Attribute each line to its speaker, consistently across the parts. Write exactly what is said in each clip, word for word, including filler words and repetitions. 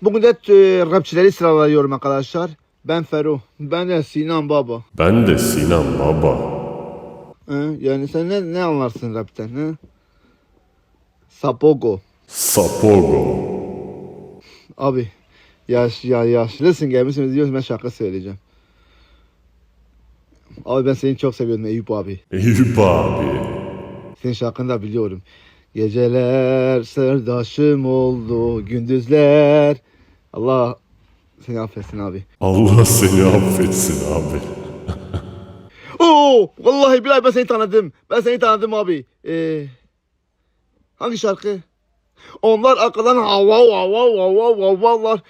Speaker 1: Bugün de e, rapçileri sıralıyorum arkadaşlar. Ben Fero. Ben de Sinan Baba.
Speaker 2: Ben de Sinan Baba.
Speaker 1: Hı? Yani sen ne, ne anlarsın rapten? Hı? Sapogo.
Speaker 2: Sapogo.
Speaker 1: Abi yaş, ya, yaşlısın gelmişsiniz diyorsun, ben şarkı söyleyeceğim. Abi ben seni çok seviyorum Eyüp abi.
Speaker 2: Eyüp abi.
Speaker 1: Senin şarkını da biliyorum. Geceler sırdaşım oldu, gündüzler. Allah seni affetsin abi.
Speaker 2: Allah seni affetsin abi.
Speaker 1: Oo, vallahi billahi ben seni tanıdım. Ben seni tanıdım abi. Ee, hangi şarkı? Onlar arkadan hava hava hava havalar.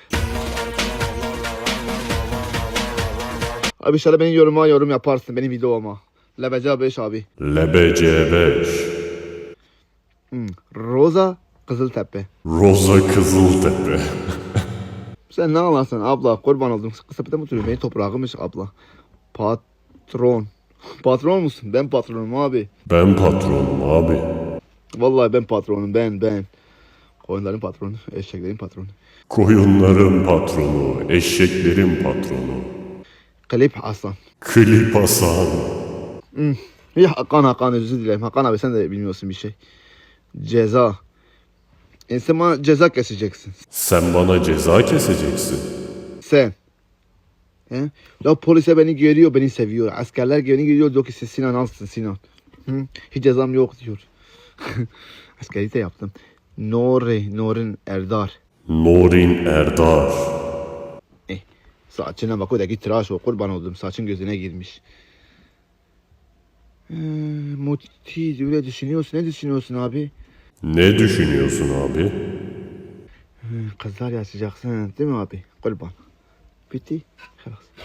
Speaker 1: Abi şöyle benim yoruma yorum yaparsın benim videoma. Lebece beş abi.
Speaker 2: Lebece beş.
Speaker 1: Hmm. Roza Kızıltepe.
Speaker 2: Roza Kızıltepe.
Speaker 1: Sen ne anlarsın abla, kurban oldum. Kısapete mi oturuyorsun? Benim toprağımış abla. Patron. Patron musun? Ben patronum abi.
Speaker 2: Ben patronum abi.
Speaker 1: Vallahi ben patronum, ben ben. Koyunların patronu, eşeklerin patronu.
Speaker 2: Koyunların patronu, eşeklerin patronu.
Speaker 1: Klip Hasan.
Speaker 2: Klip Hasan.
Speaker 1: Hmm. Ya Hakan Hakan özür dilerim. Hakan abi sen de bilmiyorsun bir şey. Ceza. E sen bana ceza keseceksin.
Speaker 2: Sen bana ceza keseceksin.
Speaker 1: Sen. He? Ya polise beni görüyor, beni seviyor. Askerler beni görüyor, diyor ki siz Sinan alsın Sinan. Hı? Hiç cezam yok diyor. Askerlik de yaptım. Nuri, Nurin Erdar.
Speaker 2: Norin Erdar.
Speaker 1: Eh, saçına bak, o da git tıraş ol, kurban oldum. Saçın gözüne girmiş. Ee, Muti öyle düşünüyorsun. Ne düşünüyorsun abi?
Speaker 2: Ne düşünüyorsun abi?
Speaker 1: Hı, kızlar yaşayacaksın değil mi abi? Kurban. Bitti. Halas.